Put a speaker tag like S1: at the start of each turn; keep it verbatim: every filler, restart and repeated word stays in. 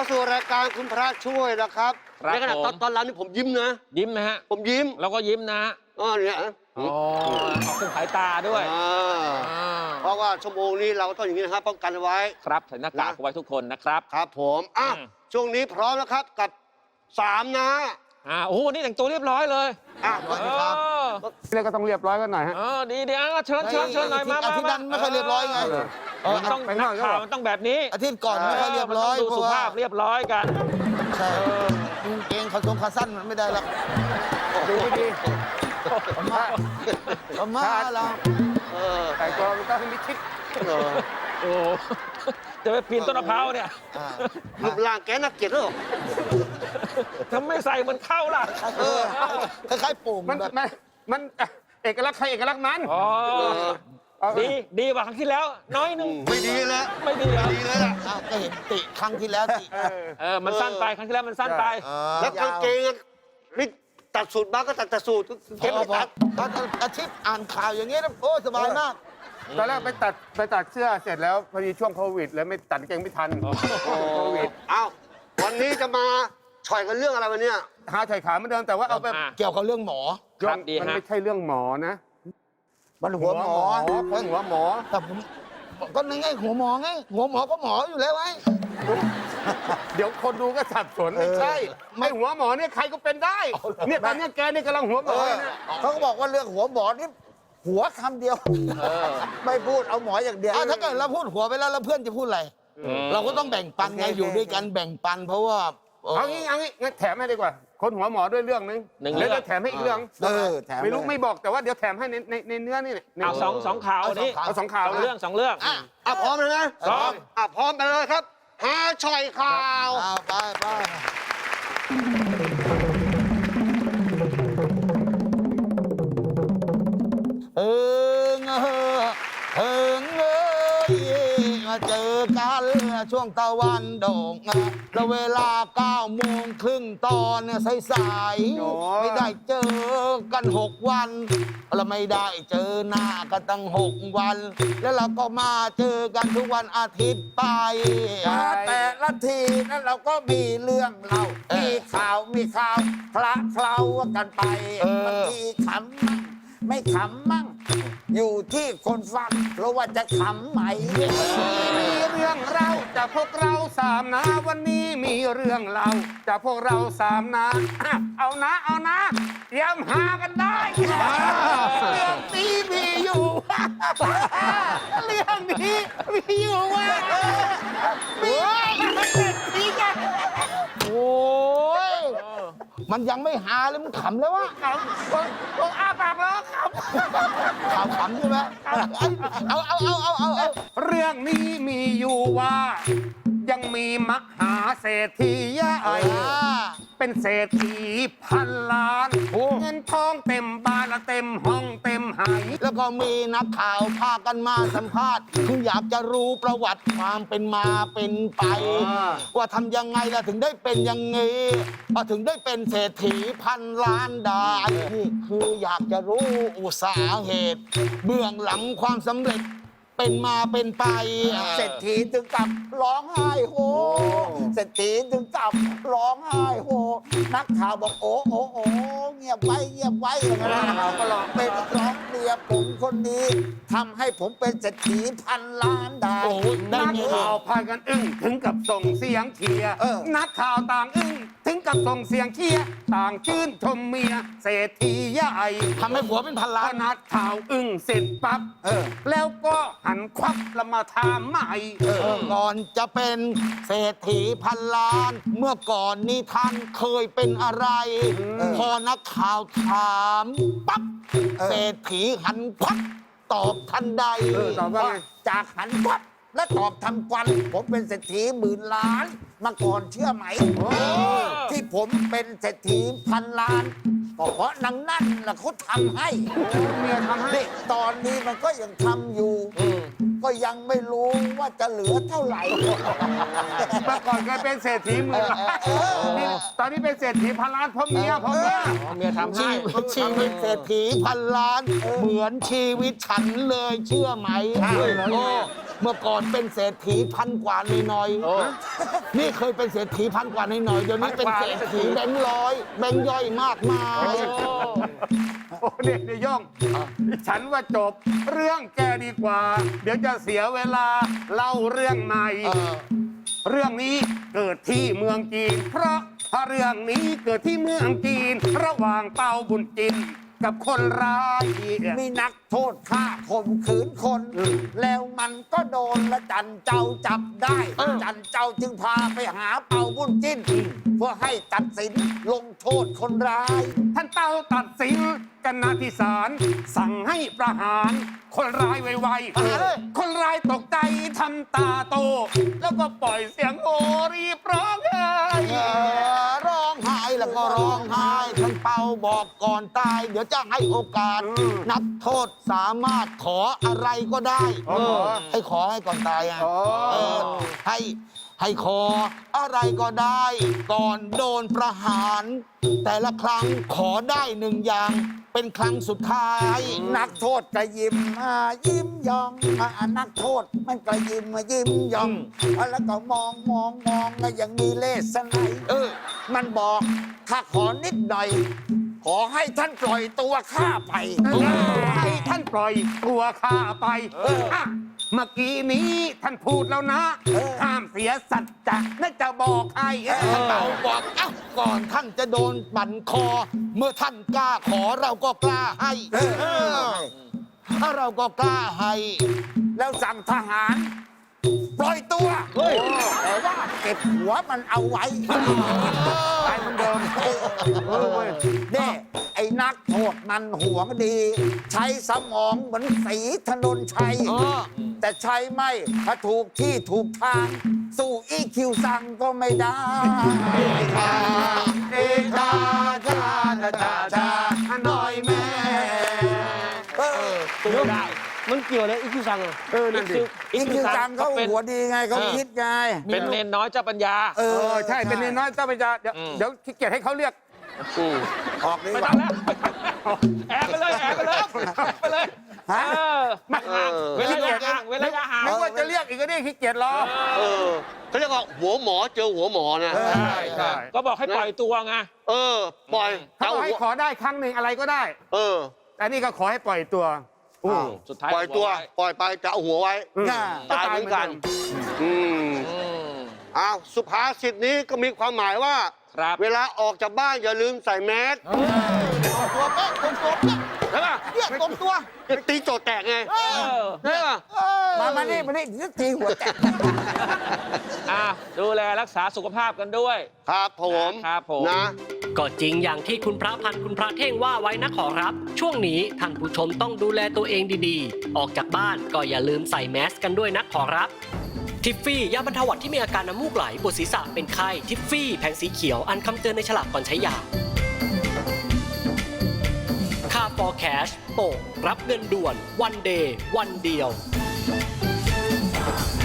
S1: สู่รายการคุณพระช่วยนะครับในขณะตอนตอนรับนี่ผมยิ้มนะ
S2: ยิ้มนะฮะ
S1: ผมยิ้ม
S2: เราก็ยิ้มนะ
S1: อ๋อเนี่ย
S2: อ๋อออกเครื่องสายตาด้วย
S1: เพราะว่าชั่วโมงนี้เราต้องอย่างนี้นะครับป้องกันไว้
S2: ครับใส่หน้ากากไว้ทุกคนนะครับ
S1: ครับผมอ่ะช่วงนี้พร้อมแล้วครับกับสามนะ
S2: อ่าโอ้โหนี่แต่งตัวเรียบร้อยเลย
S1: อ่ะครับ
S3: นี่ก็ต้องเรียบร้อยกันหน่อยฮะ
S2: เออดีเดี๋ยวเชิญเชิญเชิญหน่อยมา
S4: อาทิตย์นั้นไม่ค่อยเรียบร้อยไง
S2: มันต้องนักข่าวมันต้องแบบนี้
S4: อาทิตย์ก่อนไม่ค่อยเรียบร้อย
S2: ดูสุภาพเรียบร้อยกัน
S4: ใช่เกงขาทรงขาสั้นมันไม่ได้หรอก
S3: ดูไม่ดี
S4: มามาเรา
S3: แต่ตัวมันต้องมิดชิด
S2: โอ้จะไปปีนต้นมะพร้าวเนี่ย
S1: รูปร่างแกน่าเกลียดหรอ
S2: ทำไม่ใส่มันเข้าล่ะ
S4: คล้ายๆปุ่ม
S3: มันมันมันเอกลักษณ์ใครเอกลักษณ์มัน
S2: ดีดีกว่าครั้งที่แล้วน้อยนึง
S1: ไม่ดีแล้ว
S2: ไม่ดี
S1: ไม่ดีเลยล่ะ
S4: ก็เห็นติครั้งที่แล้วติ
S2: เออมันสั้นไปครั้งที่แล้วมันสั้นไป
S1: แล้วกางเกงนี่ตัดสูตรบ้างก็ตัดแต่สูตรเก็บไม่ตัด
S4: ตอนอาทิตย์อ่านข่าวอย่างนี้นะโอ้สบายมาก
S3: ตอนแรกไปตัดไปตัดเสื้อเสร็จแล้วพอดีช่วงโควิดแล้วไม่ตัดเกงไม่ทันโควิด
S1: เอ้าวันนี้จะมาฉ่อยกันเรื่องอะไรวันนี้
S3: หาฉ่อยขาเหมือนเดิมแต่ว่าเอาแบบ
S4: เกี่ยวกับเรื่องหมอ
S3: มันไม่ใช่เรื่องหมอนะ
S4: มันหัวหมอ
S3: คนหัวหมอ
S4: แต่ผมก็ในไงหัวหมอไงหัวหมอก็หมออยู่แล้วไง
S3: เดี๋ยวคนดูก็สับสนไม่ใช่ไม่หัวหมอเนี่ยใครก็เป็นได้เนี่ยตอนนี้แกนี่กำลังหัวหมอ
S4: เขาก็บอกว่าเรื่องหัวหมอนี่หัวคำเดียวไม่พูดเอาหมออย่างเดียวถ้าเกิดเราพูดหัวไปแล้วแล้วเพื่อนจะพูดอะไรเราก็ต้องแบ่งปันไงอยู่ด้วยกันแบ่งปันเพราะว่า
S3: เอางี้เอางี้งั้นแถมให้ดีกว่าคนหัวหมอด้วยเรื่องนึงแล้วจะแถมให้อีกเรื่องไม่รู้ไม่บอกแต่ว่าเดี๋ยวแถมให้ในในในเนื้อนี่
S2: เอาสองสองข่าวนี่
S3: เอาสองข่าว
S2: เรื่องสองเรื่อง
S1: อ่ะพร้อมเลยนะ
S2: พร้อม
S1: อ่ะพร้อมไปเลยครับหาฉ่อยข่าว
S4: ไปไปเออเงอเออเงยมาเจอกันช่วงตะวันโด่งแล้วเวลาเก้าโมงครึ่งตอนสายๆไม่ได้เจอกันหกวันเราไม่ได้เจอหน้ากันตั้งหกวันแล้วเราก็มาเจอกันทุกวันอาทิตย์ไปแต่ละทีนั้นเราก็มีเรื่องเล่ามีข่าวมีข่าวคละเคล้ากันไปบางทีขำมั่งไม่ขำมั่งอยู่ที่คนฟังเพราะว่าจะขำไหม
S3: มีเรื่องเล่าจากพวกเราสามนะวันนี้มีเรื่องเล่าจากพวกเราสามนะเอานะเอานะเตรียมหากันได้เรื่องนี้มีอยู่เรื่องนี้มีอยู่ว่ามีมีกัน
S4: โอ้ยมันยังไม่หาเลยมันขำแล้ววะ
S3: ขำผมอ้าปากแล้วขำ
S4: ขำขำใช่ไหมเอาเอาเอาเอาเอาเอา
S3: เรื่องนี้มีอยู่ว่ายังมีมหาเศรษฐีใหญ่เป็นเศรษฐีพันล้านเงินทองเต็มบ้านเต็มห้องเต็มหาย
S4: แล้วก็มีนักข่าวพากันมาสัมภาษณ์คืออยากจะรู้ประวัติความเป็นมาเป็นไปว่าทำยังไงล่ะถึงได้เป็นอย่างงี้พอถึงได้เป็นเศรษฐีพันล้านได้นี่คืออยากจะรู้สาเหตุเบื้องหลังความสำเร็จเป็นมาเป็นไปเศรษฐีจึงกลับร้องไห้โฮเศรษฐีจึงกลับร้องไห้โฮนักข่าวบอกโอ้โอ้โอ้เงียบไว้เงียบไว้อย่างนั้นเราก็ร้องเป็นร้องเมียผมคนนี้ทำให้ผมเป็นเศรษฐีพันล้านได้
S3: นักข่าวพากันอึ้งถึงกับส่งเสียงเชียร์นักข่าวต่างอึ้งถึงกับส่งเสียงเชียร์ต่างชื่นชมเมียเศรษฐีใหญ่
S4: ทำให้ผัวเป็นพันล้าน
S3: นักข่าวอึ้งเสร็จปั๊บแล้วก็หันควับแล้วมาถามใหม่
S4: ก่อนจะเป็นเศรษฐีพันล้านเมื่อก่อนนี้ท่านเคยเป็นอะไรพอนักข่าวถามปั๊บเศรษฐีหันควับตอบทันใดจากหันควับและตอบทันควันผมเป็นเศรษฐีหมื่นล้านมาก่อนเชื่อไหมที่ผมเป็นเศรษฐีพันล้านก็เพราะนางนั่นแหละเขาทำให้
S3: เมียทำให้
S4: ตอนนี้มันก็ยังทำอยู่ก็ยังไม่รู้ว่าจะเหลือเท่าไหร่
S3: เมื่อก่อนเคยเป็นเศรษฐีหมื่นล้านตอนนี้เป็นเศรษฐีพันล้านเพราะเมียเพราะเมีย
S2: เมียทำให้
S4: ชีวิตเศรษฐีพันล้านเหมือนชีวิตฉันเลยเชื่อไหมเมื่อก่อนเป็นเศรษฐีพันกว่าหน่อย
S2: โอ้
S4: ๆนี่เคยเป็นเศรษฐีพันกว่าหน่อยๆเดี๋ยวนี้เป็นเศรษฐีแบงค์ร้อยแบงค์ย่อยมากมาย
S3: โอ้เด็กในย่อง ฉันว่าจบเรื่องแกดีกว่า เดี๋ยวจะเสียเวลาเล่าเรื่องใหม่
S4: เออ
S3: เรื่องนี้เกิดที่เมืองจีน เพราะถ้าเรื่องนี้เกิดที่เมืองจีน ระหว่างเปาบุญจินกับคนร้าย
S5: มีนักโทษฆ่าข่มขืนคน แล้วมันก็โดนละจันเจ้าจับได้ จันเจ้าจึงพาไปหาเป่าบุญจิ้น เพื่อให้ตัดสินลงโทษคนร้าย
S3: ท่านเต้าตัดสินกันนาที่ศาลสั่งให้ประหาร คนร้ายไวๆคนร้ายตกใจทำตาโต แล้วก็ปล่อยเสียงโอรีบร้องไห้
S4: เออร้องไห้แล้วก็ร้องไห้ท่านเปาบอกก่อนตาย เดี๋ยวจะให้โอกาส นักโทษสามารถขออะไรก็ได้
S3: อ๋อเหรอ
S4: ให้ขอให้ก่อนตายอ่ะ
S3: อ๋อ
S4: เออให้ให้ขออะไรก็ได้ ก่อนโดนประหาร แต่ละครั้งขอได้หนึ่งอย่าง เป็นครั้งสุดท้าย
S5: นักโทษก็ยิ้มอ่ายิ้มยองอ่านักโทษมันก็ยิ้มยิ้มยองแล้วก็มองมองมองแล้วยังมีเลสไนย
S4: เออ
S5: มันบอกถ้าขอนิดหน่อย ขอให้ท่านปล่อยตัวข้าไป
S3: ให้ท่านปล่อยตัวข้าไปอ่ะเมื่อกี้นี้ท่านพูดแล้วนะ ห้ามเสียสัจจะน่าจะบอกให้เออ
S4: ท่านเปาบอกเอ้าก่อนท่านจะโดนบั่นคอ เมื่อท่านกล้าขอเราก็กล้าให้เออถ้าเราก็กล้าให้
S5: แล้วสั่งทหาร ปล่อยตัวแต่ว่าเก็บหัวมันเอาไว้
S3: ตายเหมือนเดิมเออเว้ย
S5: เน่ไอ้นักโทษมันหวงดี ใช้สมองเหมือนสีถนนชัย
S4: อ๋อ
S5: แต่ใช้ไม่ถ้าถูกที่ถูกทาง สู้อีคิวสั่งก็ไม่ได้
S3: เดชาชาชาชาชาหน่อยแม่
S5: เออ
S2: สู้ได้
S1: มันเกี่ยวอะไรอีกที่สั่งอ่ะ
S3: เออนั่นดิ
S5: อีคิวสั่งเขา
S2: เป็น
S5: หัวดีไงเขา
S2: เออ
S5: คิดไง
S2: เป็นเนนน้อยเจ้าปัญญา
S5: เอ
S3: เอ
S5: อ
S3: อใช่เป็นนิดน้อยเจ้าพระยาเดี๋ยว
S2: อืม
S3: เดี๋ยวขี้เกียจให้เขาเรียก
S5: ออกดี
S2: ไม่
S5: ก
S2: ต้
S5: ว่า
S2: องแล้วแอบไปเลยแอบไปเลยแอบไปเลย
S5: ฮะ
S2: เออไม่ห่าง
S1: เออ
S2: เว้นระยะห่างเว้นระยะห่าง
S3: ไม่ว่าจะเรียกอีกก็ได้ขี้เกียจรอ
S1: เออเขาเรียกว่าหัวหมอเจอหัวหมอนะ
S5: เออ
S2: ใช่ใช่ก็บอกให้ปล่อยตัวไง
S1: เออ ปล่อย
S3: เขาบอกให้
S1: หัว
S3: ขอได้ครั้งหนึ่งอะไรก็ได้
S1: เออ
S3: แต่นี่ก็ขอให้ปล่อยตัว
S2: อ้าวสุดท้าย
S1: ปล่อยตัว ปล่อยไปจะเอาหัวไว้
S3: อืม
S5: น่า
S1: ตายเหมือนกัน อืม
S2: อืม
S1: อ้าวสุภาษิตนี้ก็มีความหมายว่า
S2: ครับ
S1: เวลาออกจากบ้านอย่าลืมใส่แมส
S4: ตัวเป๊ะตรงตัวเป๊ะ
S1: ใช่ป่ะ
S4: เนี่ยตรงตัว
S1: จะตีโจทย์แตกไง
S2: เออ
S1: ใช่ป่ะ
S5: มามานี่มานี่นึกทีหัวแตก
S2: อ่ะดูแลรักษาสุขภาพกันด้วย
S1: ครับผม
S2: ครับผม
S1: นะ
S6: ก็จริงอย่างที่คุณพระพันธ์คุณพระเท่งว่าไว้นะขอรับ ช่วงนี้ท่านผู้ชมต้องดูแลตัวเองดีๆ ออกจากบ้านก็อย่าลืมใส่แมสกันด้วยนะขอรับ ทิฟฟี่ยาบรรเทาหวัดที่มีอาการน้ำมูกไหลปวดศีรษะเป็นไข้ทิฟฟี่แผงสีเขียวอันคำเตือนในฉลากก่อนใช้ยาค่า for cash โปกรับเงินด่วนวันเดย์วันเดียว